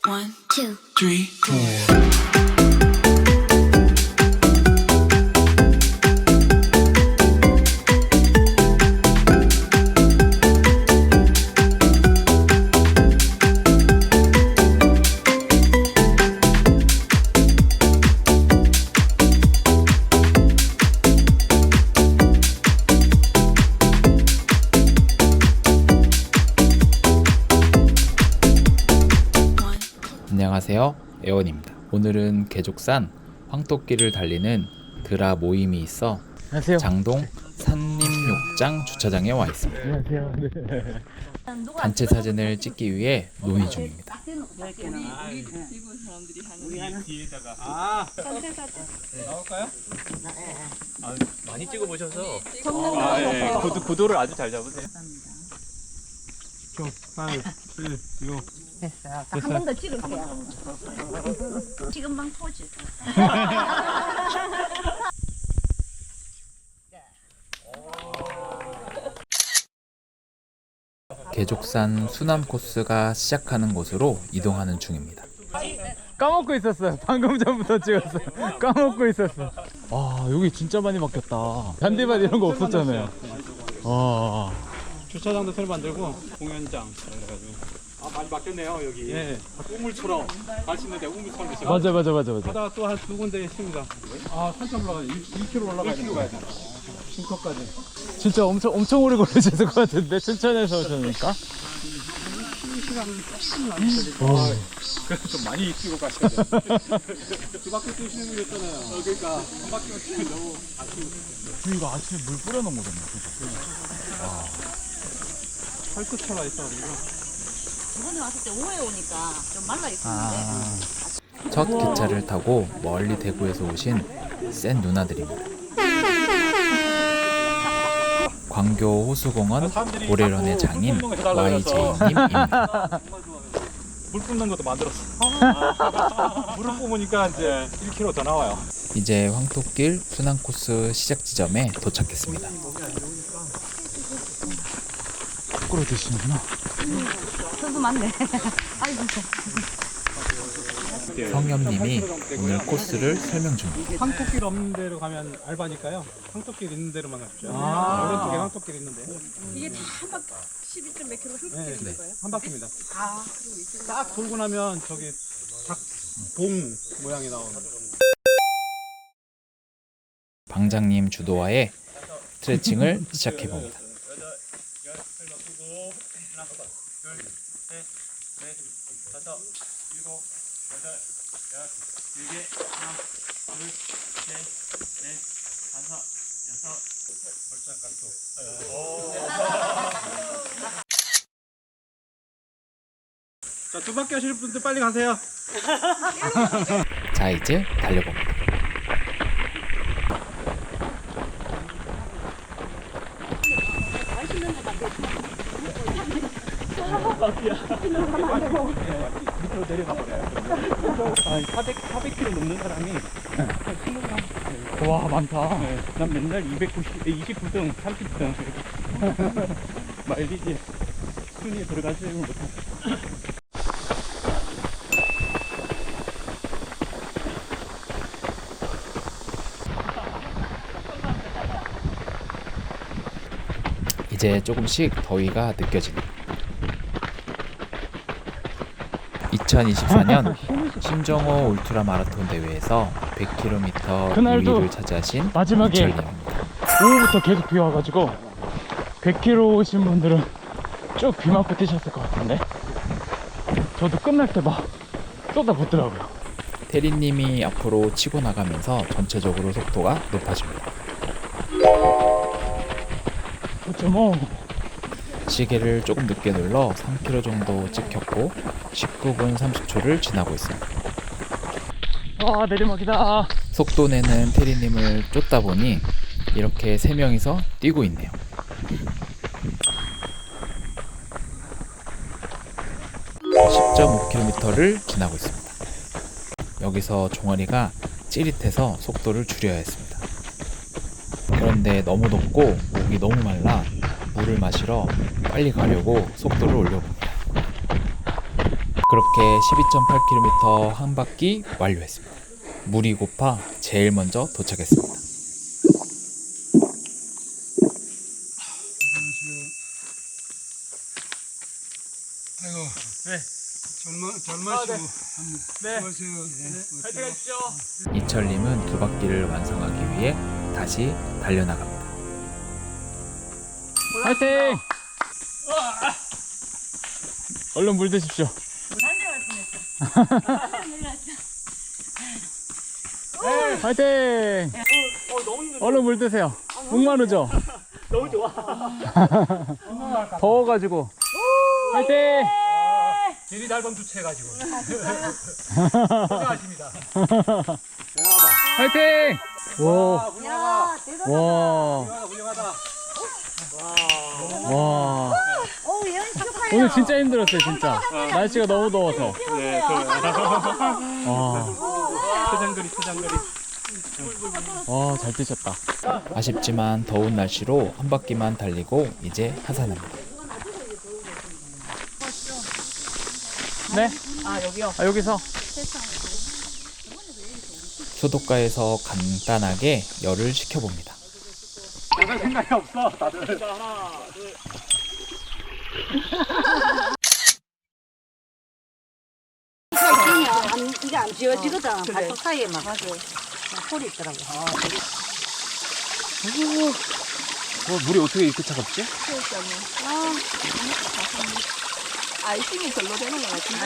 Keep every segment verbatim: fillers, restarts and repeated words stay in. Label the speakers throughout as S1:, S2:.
S1: One, two, three, four.
S2: 안녕하세요, 에원입니다. 오늘은 계족산 황토길을 달리는 드라 모임이 있어
S3: 안녕하세요.
S2: 장동 산림욕장 주차장에 와 있습니다.
S3: 안녕하세요. 네.
S2: 단체 사진을 찍기 위해 논의 중입니다.
S4: 아, 나올까요? 아, 많이 찍어보셔서.
S5: 정면
S4: 아, 예,
S5: 보셔서.
S4: 구도, 구도를 아주 잘 잡으세요. 좀, 팔, 칠, 육.
S5: 됐어요. 한 번 더 찍을게요. 지금방 포즈.
S2: 계족산 수남 코스가 시작하는 곳으로 이동하는 중입니다.
S3: 까먹고 있었어요. 방금 전부터 찍었어요. 까먹고 있었어. 아, 여기 진짜 많이 바뀌었다. 잔디밭 이런 거 없었잖아요. 아,
S4: 주차장도 새로 만들고, 공연장. 그래가지고. 아, 많이 바뀌었네요, 여기. 예. 우물처럼. 갈 수 있는데 우물처럼 있어요.
S3: 맞아, 맞아, 맞아, 맞아.
S4: 하다가 또 한 두 군데 있습니다. 아, 산점 올라가야 돼. 일 킬로미터 올라가야 돼. 일 킬로미터 가야 돼. 싱커까지.
S3: 진짜 엄청 엄청 오래 걸리셨을 것 같은데 춘천에서 오셨으니까.
S4: 그래서 좀 많이 뛰고 가셔야 돼요. 두 바퀴 뛰시는 분 있잖아요. 어, 그러니까 한 바퀴만 뛰면 너무 아쉬워.
S3: 이거 아침에 물 뿌려놓은 거잖아요.
S4: 활끝차가 있어가지고.
S5: 이번에 왔을 때 오후에 오니까 좀 말라 있었는데.
S3: 아,
S2: 첫 기차를 타고 멀리 대구에서 오신 센 누나들입니다. 광교 호수공원 고래런의 장인 와이제이님입니다.
S4: 물 뿜는 것도 만들었어. 물을 뿜으니까 이제 일 킬로미터 더 나와요.
S2: 이제 황토길 순환 코스 시작 지점에 도착했습니다.
S3: 거꾸로 드시는구나.
S5: 선수 맞네. 아이고.
S2: 성엽님이 오늘 코스를 설명 중입니다.
S4: 황토길 없는 데로 가면 알바니까요. 황토길 있는 데로만 가십시오.
S3: 아.
S4: 오른쪽에 황토길 있는데.
S6: 이게 다 한 바퀴 십이 점 몇 킬로 한 바퀴
S4: 네.
S6: 있는 거예요?
S4: 한 바퀴입니다.
S6: 아, 그리고 이쪽에
S4: 딱 돌고 나면 저기 닭봉 모양이 나오는.
S2: 방장님 주도하에 스트레칭을 시작해봅니다.
S4: 자, 두 바퀴 하실 분들 빨리 가세요.
S2: 자, 이제 달려봅니다.
S4: 밑으로 내려가 버려요. 한 사백, 사백 킬로미터 넘는 사람이
S3: 와, 많다.
S4: 네, 난 맨날 이백구십, 이십구 등, 삼십 등 마일리지 순위에 들어가지 못해.
S2: 이제 조금씩 더위가 느껴집니다. 이천이십사 년 신정호 울트라 마라톤 대회에서 백 킬로미터
S3: 그날도
S2: 이 위를 차지하신
S3: 마지막에
S2: 이철님입니다.
S3: 오후부터 계속 비 와가지고 백 킬로미터 오신 분들은 쭉 비 맞고 뛰셨을 것 같은데 저도 끝날 때 막 쏟아붓더라고요.
S2: 테리님이 앞으로 치고 나가면서 전체적으로 속도가 높아집니다.
S3: 어쩌뭐
S2: 시계를 조금 늦게 눌러 삼 킬로미터 정도 찍혔고 십구 분 삼십 초를 지나고 있습니다.
S3: 아, 내리막이다.
S2: 속도 내는 테리님을 쫓다 보니 이렇게 세 명이서 뛰고 있네요. 십 점 오 킬로미터를 지나고 있습니다. 여기서 종아리가 찌릿해서 속도를 줄여야 했습니다. 그런데 너무 덥고 목이 너무 말라 물을 마시러 빨리 가려고 속도를 올려봅니다. 그렇게 십이 점 팔 킬로미터 한 바퀴 완료했습니다. 물이 고파 제일 먼저 도착했습니다.
S4: 아이고.
S3: 네.
S4: 젊어 젊으시고.
S3: 네.
S4: 수고하세요. 네.
S3: 파이팅 하십시오.
S2: 이철님은 두 바퀴를 완성하기 위해 다시 달려나갑니다.
S3: 파이팅! 얼른 물 드십시오. 파이팅! 얼른 물 드세요. 목 마르죠?
S4: 너무 좋아.
S3: 더워가지고. 파이팅!
S4: 길이 달방 주체해가지고. 고생하십니다.
S3: 파이팅! 와,
S5: 야, 대단하다.
S3: 와,
S4: 훌륭하다.
S3: 와.
S5: 오, 예언 축하해요.
S3: 오늘 진짜 힘들었어요, 진짜. 날씨가 너무 더워서.
S4: 네,
S3: 와,
S4: 표장거리, 표장거리.
S3: 와, 잘 뛰셨다.
S2: 아쉽지만 더운 날씨로 한 바퀴만 달리고 이제 하산합니다.
S3: 네? 아, 여기요? 아, 여기서?
S2: 수도가에서 간단하게 열을 식혀봅니다.
S4: 나갈 생각이 없어, 다들.
S5: 안, 이게 안 지워지거든. 발톱 사이에 막 아주 홀이 있더라고.
S3: 어, 물이 어떻게 이렇게 차갑지?
S6: 아이싱이 별로 되는 것 같은데.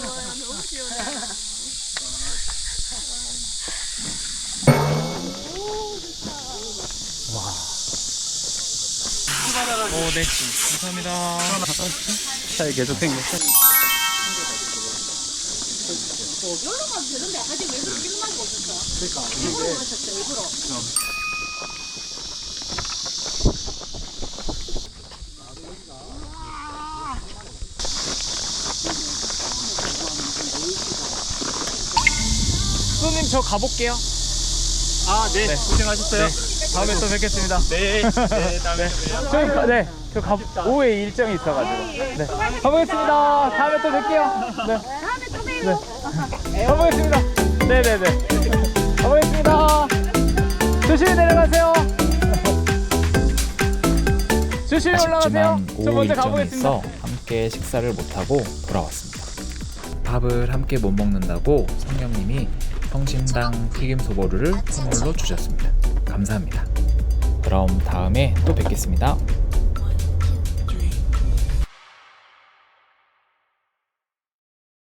S3: 오, 네. 감사합니다. 잘 계속 생겼어. 손님, 저 가볼게요.
S4: 아, 네.
S3: 네.
S4: 고생하셨어요.
S3: 다음에 또 뵙겠습니다.
S4: 네. 네, 다음에 또 봬요.
S3: 저희, 가- 네, 저 가, 오후에 일정이 있어가지고. 네. 가보겠습니다. 다음에 또 뵐게요. 네.
S5: 다음에 또 봬요.
S3: 네. 가보겠습니다. 네네네. 가보겠습니다. 조심히 내려가세요. 조심히 올라가세요.
S2: 아쉽지만
S3: 저
S2: 오후
S3: 먼저
S2: 일정이
S3: 가보겠습니다.
S2: 있어 함께 식사를 못하고 돌아왔습니다. 밥을 함께 못 먹는다고 성령님이 성심당 튀김소보루를 선물로 주셨습니다. 감사합니다. 그럼 다음에 또 뵙겠습니다.